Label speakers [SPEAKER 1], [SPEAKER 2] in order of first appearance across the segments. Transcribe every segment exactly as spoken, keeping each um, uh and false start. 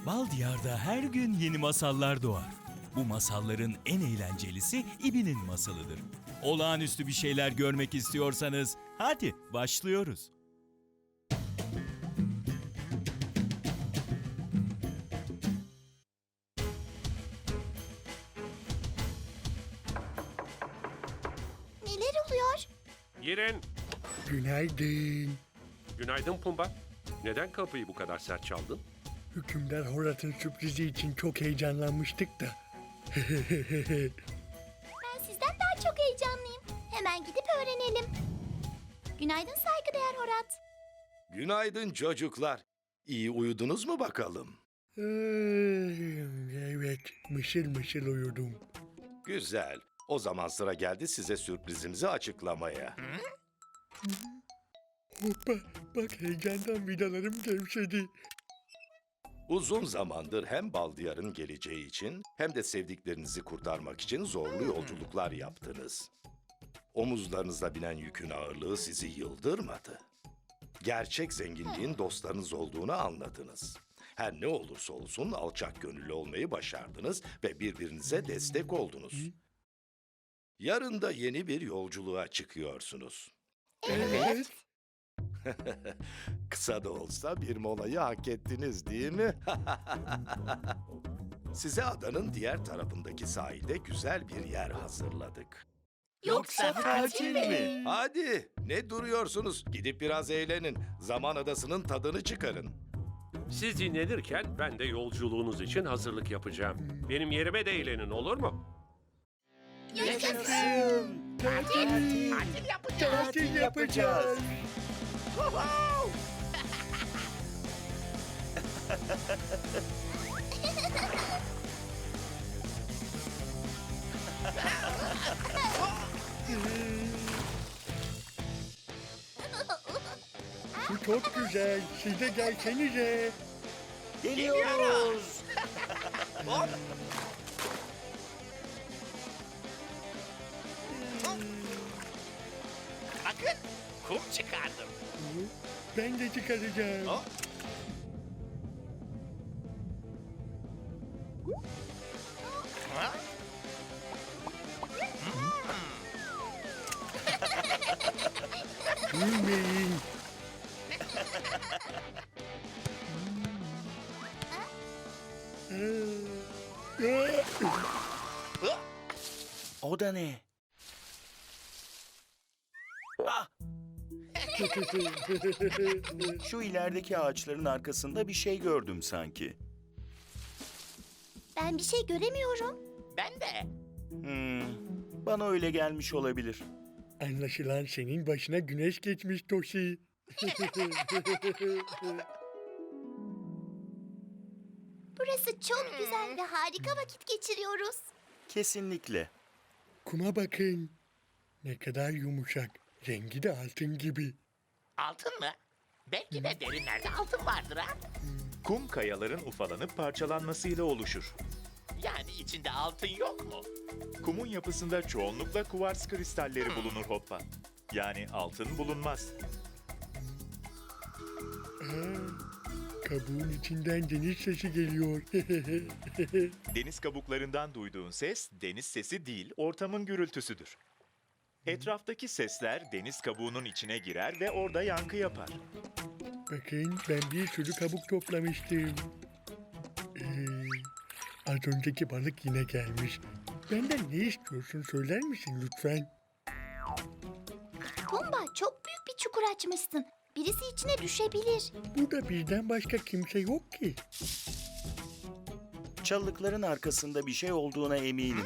[SPEAKER 1] Bal Diyar'da her gün yeni masallar doğar. Bu masalların en eğlencelisi İbi'nin masalıdır. Olağanüstü bir şeyler görmek istiyorsanız hadi başlıyoruz.
[SPEAKER 2] Neler oluyor?
[SPEAKER 3] Girin.
[SPEAKER 4] Günaydın.
[SPEAKER 3] Günaydın Pumba. Neden kapıyı bu kadar sert çaldın?
[SPEAKER 4] Hükümdar Horat'ın sürprizi için çok heyecanlanmıştık da.
[SPEAKER 2] Ben sizden daha çok heyecanlıyım. Hemen gidip öğrenelim. Günaydın saygıdeğer Horat.
[SPEAKER 5] Günaydın çocuklar. İyi uyudunuz mu bakalım?
[SPEAKER 4] Ay, evet, mışıl mışıl uyudum.
[SPEAKER 5] Güzel. O zaman sıra geldi size sürprizimizi açıklamaya.
[SPEAKER 4] Hoppa, bak heyecandan vidalarım gevşedi.
[SPEAKER 5] Uzun zamandır hem Baldiyar'ın geleceği için hem de sevdiklerinizi kurtarmak için zorlu yolculuklar yaptınız. Omuzlarınızda binen yükün ağırlığı sizi yıldırmadı. Gerçek zenginliğin dostlarınız olduğunu anladınız. Her ne olursa olsun alçak gönüllü olmayı başardınız ve birbirinize destek oldunuz. Yarın da yeni bir yolculuğa çıkıyorsunuz.
[SPEAKER 4] Evet.
[SPEAKER 5] Kısa da olsa bir molayı hak ettiniz değil mi? Size adanın diğer tarafındaki sahilde güzel bir yer hazırladık.
[SPEAKER 2] Yoksa katil mi?
[SPEAKER 5] Hadi ne duruyorsunuz? Gidip biraz eğlenin. Zaman adasının tadını çıkarın.
[SPEAKER 3] Siz dinlenirken ben de yolculuğunuz için hazırlık yapacağım. Benim yerime de eğlenin, olur mu?
[SPEAKER 2] Yaşasın.
[SPEAKER 4] Tatil, tatil yapacağız. Bu çok güzel. Siz de gelsenize.
[SPEAKER 6] Geliyoruz. Bakın, kum çıkardım.
[SPEAKER 4] Ben de çıkaracağım.
[SPEAKER 6] Hop. Ha?
[SPEAKER 4] Gülmeyin.
[SPEAKER 6] O da ne? Ah! Şu ilerideki ağaçların arkasında bir şey gördüm sanki.
[SPEAKER 2] Ben bir şey göremiyorum.
[SPEAKER 7] Ben de.
[SPEAKER 6] Hmm, bana öyle gelmiş olabilir.
[SPEAKER 4] Anlaşılan senin başına güneş geçmiş Toshi.
[SPEAKER 2] Burası çok güzel ve harika vakit geçiriyoruz.
[SPEAKER 6] Kesinlikle.
[SPEAKER 4] Kuma bakın. Ne kadar yumuşak. Rengi de altın gibi.
[SPEAKER 7] Altın mı? Belki de derinlerde altın vardır ha.
[SPEAKER 8] Kum kayaların ufalanıp parçalanmasıyla oluşur.
[SPEAKER 7] Yani içinde altın yok mu?
[SPEAKER 8] Kumun yapısında çoğunlukla kuvars kristalleri bulunur Hoppa. Yani altın bulunmaz.
[SPEAKER 4] Kabuğun içinden deniz sesi geliyor.
[SPEAKER 8] Deniz kabuklarından duyduğun ses deniz sesi değil, ortamın gürültüsüdür. Etraftaki sesler deniz kabuğunun içine girer ve orada yankı yapar.
[SPEAKER 4] Bakın ben bir sürü kabuk toplamıştım. Ee, az önceki balık yine gelmiş. Benden ne istiyorsun söyler misin lütfen?
[SPEAKER 2] Pumba çok büyük bir çukur açmışsın. Birisi içine düşebilir.
[SPEAKER 4] Burada bizden başka kimse yok ki.
[SPEAKER 6] Çalılıkların arkasında bir şey olduğuna eminim.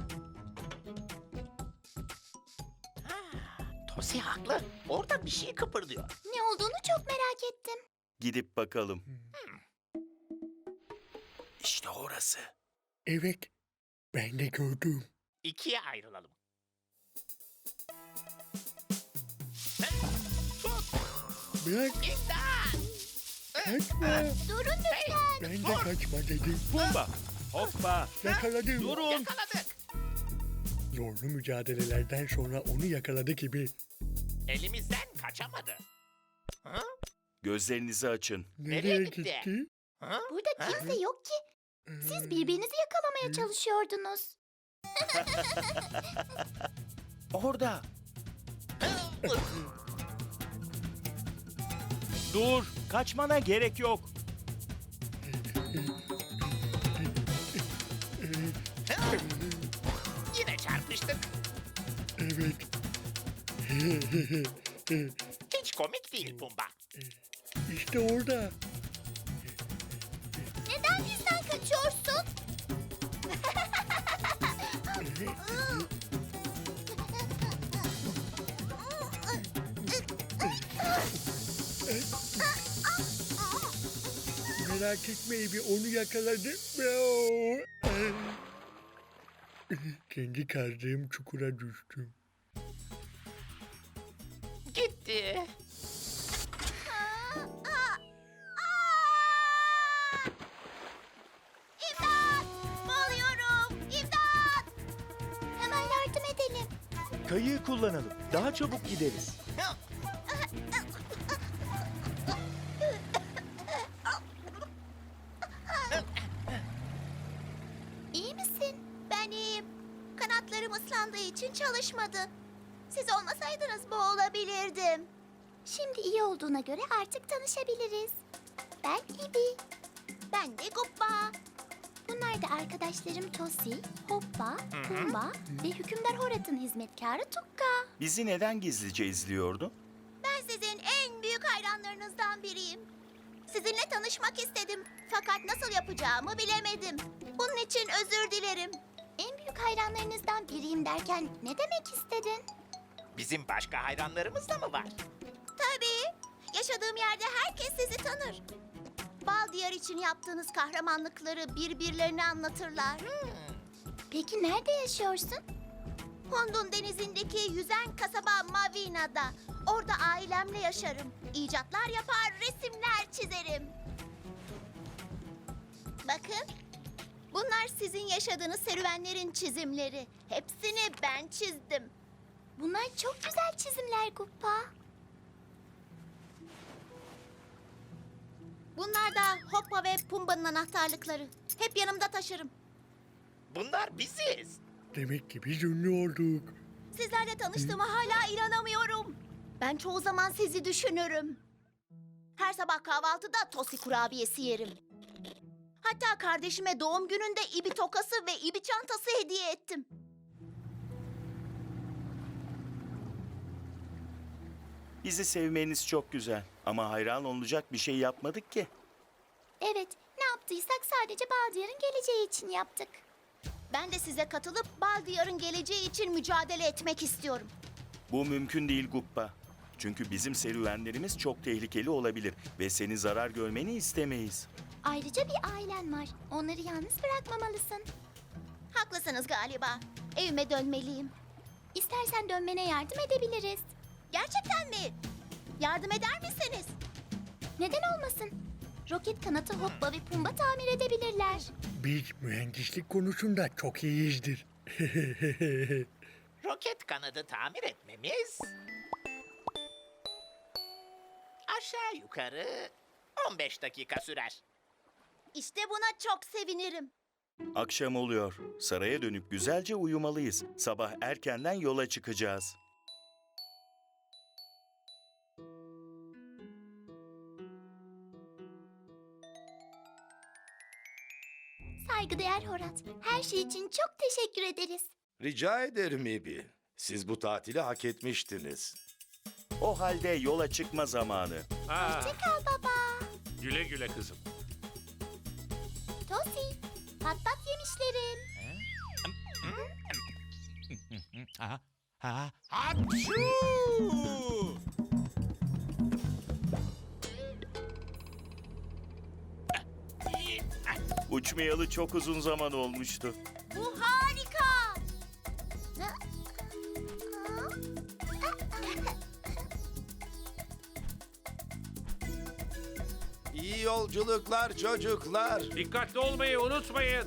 [SPEAKER 7] Tosi haklı. Orada bir şey kıpırdıyor.
[SPEAKER 2] Ne olduğunu çok merak ettim.
[SPEAKER 6] Gidip bakalım. İşte orası.
[SPEAKER 4] Evet, ben de gördüm.
[SPEAKER 7] İkiye ayrılalım.
[SPEAKER 4] Bırak,
[SPEAKER 7] İmdat!
[SPEAKER 4] kaçma.
[SPEAKER 2] Durun lütfen.
[SPEAKER 4] Ben de kaçma dedim.
[SPEAKER 1] Pumba, hoppa,
[SPEAKER 4] Yakaladım.
[SPEAKER 1] durun.
[SPEAKER 7] Yakaladık.
[SPEAKER 4] Zorlu mücadelelerden sonra onu yakaladı gibi.
[SPEAKER 7] Elimizden kaçamadı. Ha?
[SPEAKER 6] Gözlerinizi açın.
[SPEAKER 4] Nereye,
[SPEAKER 7] Nereye gitti?
[SPEAKER 4] gitti?
[SPEAKER 7] Ha?
[SPEAKER 2] Burada kimse yok ki. Siz birbirinizi yakalamaya çalışıyordunuz.
[SPEAKER 6] Orada.
[SPEAKER 8] Dur, kaçmana gerek yok.
[SPEAKER 7] Yine çarpıştık.
[SPEAKER 4] Evet.
[SPEAKER 7] Hiç komik değil Pumba.
[SPEAKER 4] İşte orada.
[SPEAKER 2] Neden bizden kaçıyorsun?
[SPEAKER 4] Merak etme Ebi, onu yakaladım. Kendi kazdığım çukura düştüm.
[SPEAKER 7] Gitti.
[SPEAKER 2] İmdat! Boğuluyorum! İmdat! Hemen yardım edelim.
[SPEAKER 8] Kayığı kullanalım. Daha çabuk gideriz.
[SPEAKER 2] İyi misin? Ben iyiyim. Kanatlarım ıslandığı için çalışmadı. Siz olmasaydınız boğulabilirdim. Şimdi iyi olduğuna göre artık tanışabiliriz. Ben İbi. Ben de Guppa. Bunlar da arkadaşlarım Tosi, Hoppa, Pumba ve Hükümdar Horat'ın hizmetkarı Tukka.
[SPEAKER 6] Bizi neden gizlice izliyordu?
[SPEAKER 2] Ben sizin en büyük hayranlarınızdan biriyim. Sizinle tanışmak istedim. Fakat nasıl yapacağımı bilemedim. Bunun için özür dilerim. En büyük hayranlarınızdan biriyim derken ne demek istedin?
[SPEAKER 7] Bizim başka hayranlarımız da mı var?
[SPEAKER 2] Tabii. Yaşadığım yerde herkes sizi tanır. Bal Diyar için yaptığınız kahramanlıkları birbirlerine anlatırlar. Peki nerede yaşıyorsun? Hundun denizindeki yüzen kasaba Mavina'da. Orada ailemle yaşarım. İcatlar yapar, resimler çizerim. Bakın. Bunlar sizin yaşadığınız serüvenlerin çizimleri. Hepsini ben çizdim. Bunlar çok güzel çizimler Guppa. Bunlar da Hoppa ve Pumba'nın anahtarlıkları. Hep yanımda taşırım.
[SPEAKER 7] Bunlar biziz.
[SPEAKER 4] Demek ki biz ünlü olduk.
[SPEAKER 2] Sizlerle tanıştığıma hala inanamıyorum. Ben çoğu zaman sizi düşünürüm. Her sabah kahvaltıda tosi kurabiyesi yerim. Hatta kardeşime doğum gününde ibi tokası ve ibi çantası hediye ettim.
[SPEAKER 6] Bizi sevmeniz çok güzel. Ama hayran olacak bir şey yapmadık ki.
[SPEAKER 2] Evet, ne yaptıysak sadece Baldiyar'ın geleceği için yaptık. Ben de size katılıp Baldiyar'ın geleceği için mücadele etmek istiyorum.
[SPEAKER 6] Bu mümkün değil Guppa. Çünkü bizim serüvenlerimiz çok tehlikeli olabilir ve senin zarar görmeni istemeyiz.
[SPEAKER 2] Ayrıca bir ailen var. Onları yalnız bırakmamalısın. Haklısınız galiba. Evime dönmeliyim. İstersen dönmene yardım edebiliriz. Gerçekten mi? Yardım eder misiniz? Neden olmasın? Roket kanatı Hoppa ve Pumba tamir edebilirler.
[SPEAKER 4] Biz mühendislik konusunda çok iyiyizdir.
[SPEAKER 7] Roket kanadı tamir etmemiz... aşağı yukarı on beş dakika sürer.
[SPEAKER 2] İşte buna çok sevinirim.
[SPEAKER 6] Akşam oluyor. Saraya dönüp güzelce uyumalıyız. Sabah erkenden yola çıkacağız.
[SPEAKER 2] Saygıdeğer Horat, her şey için çok teşekkür ederiz.
[SPEAKER 5] Rica ederim Ebi. Siz bu tatili hak etmiştiniz.
[SPEAKER 6] O halde yola çıkma zamanı.
[SPEAKER 3] Ha,
[SPEAKER 2] Hoşçakal baba.
[SPEAKER 3] güle güle kızım.
[SPEAKER 2] Tosi, pat pat yemişlerim.
[SPEAKER 1] Ha, ha.
[SPEAKER 6] Uçmayalı çok uzun zaman olmuştu.
[SPEAKER 2] Bu harika.
[SPEAKER 5] İyi yolculuklar çocuklar.
[SPEAKER 3] Dikkatli olmayı unutmayın.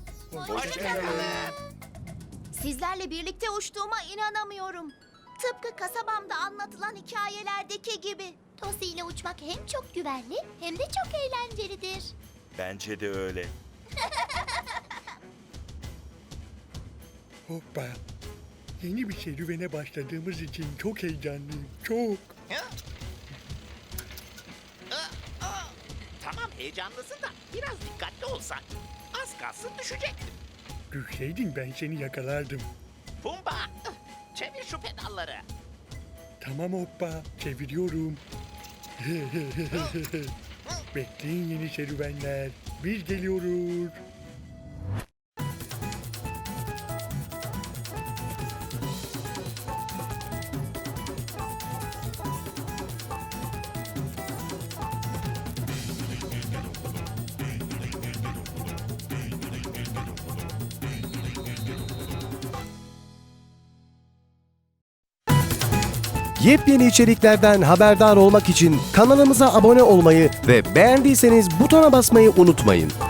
[SPEAKER 2] Sizlerle birlikte uçtuğuma inanamıyorum. Tıpkı kasabamda anlatılan hikayelerdeki gibi. Tosi ile uçmak hem çok güvenli hem de çok eğlencelidir.
[SPEAKER 6] Bence de öyle.
[SPEAKER 4] Hoppa. Yeni bir serüvene başladığımız için çok heyecanlıyım. Çok.
[SPEAKER 7] Tamam heyecanlısın da biraz dikkatli olsan. Az kalsın düşecektin.
[SPEAKER 4] Düşseydin ben seni yakalardım.
[SPEAKER 7] Pumba, çevir şu pedalları.
[SPEAKER 4] Tamam hoppa. Çeviriyorum. Bekleyin yeni serüvenler. Biz geliyoruz.
[SPEAKER 9] Yepyeni içeriklerden haberdar olmak için kanalımıza abone olmayı ve beğendiyseniz butona basmayı unutmayın.